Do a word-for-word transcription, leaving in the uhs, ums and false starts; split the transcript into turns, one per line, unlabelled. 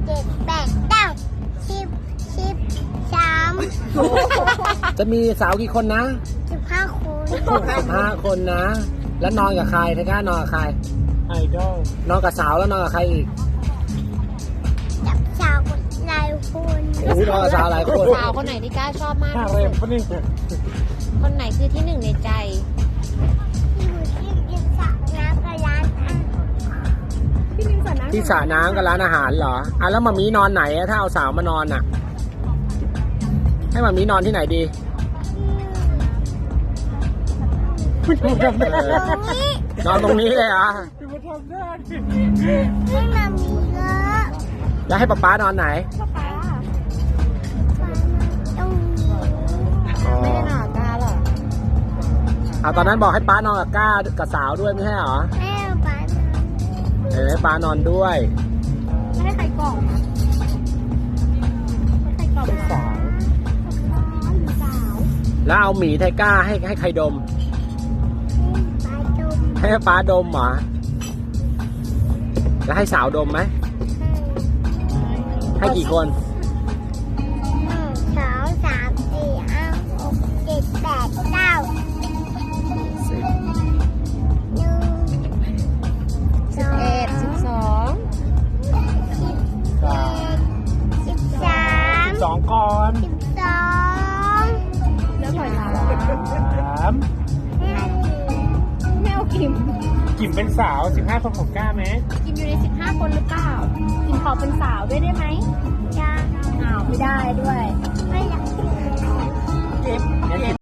เจ็ดแปดเก้าสิบสิบสาม
จะมีสาวกี่คนนะ
สิบห้าคน
สิบห้าคนนะ แล้วนอนกับใครไทก้านอนกับใคร
ไอดอล
นอนกับสาวแล้วนอนกับใครอีก
จับชาวคนหลายคน
โอ้โหนอนกับสาวหลายคน
สาวคนไหนที่ก้าชอบมาก
ห้า
ที่
เร
สุ
ม
ด
ปะนี่
คนไหนคือที่หนึ่งในใจ
อยู่ที่ยิมสระน้ำกับร้านอาหาร
ที่สระน้ำกับร้านอาหารเหรออ่ะแล้วมามีนอนไหนอะถ้าเอาสาวมานอนอ่ะ ให้มามีนอนที่ไหนดี
ตรงนี้
นอนตรงนี้เลยเหรอ่ะ
มาทำได้
ไม่มามีเยอะ
แล้วให้ป๊าป๊านอนไหน
ตรงนี้
อ๋อ
ไม่ได้นอนกับก้าหรอก
อ่ะตอนนั้นบอกให้ป๊านอนกับก้ากับสาวด้วยไม่ใช่เหรอ
แม่บ้าน
เออให้ป๊านอนด้วย
ไม่ได้ใครกล่องนะใครกล่อง
เป็นสาว
สาว
แล้วเอาหมีไทก้าให้ให้ใครดม
ปลาดุม
ให้ป๊าดมเหรอ แล้วให้สาวดมไหม ให้กี่คน
หนึ่งสองสามสี่ห้าหกเจ็ดแปดเก้าหนึ่ง
สิบ
สิบเอ็ดสิบสอง
สิบเอ็ดสิบสาม
สองก่อน
สิบสอง
แล้วถอยหลัง
สาม
ห้าสิบ
ไม่เอากิม
กิ่มเป็นสาวสิบห้าคนของก้าไหม
กิมอยู่ในสิบห้าคนหรือเปล่ากิมขอเป็นสาวด้วยได้ไหม
จ้า
อ้าวไม่ได้ด้วย
ไม่อยาก
เก็บ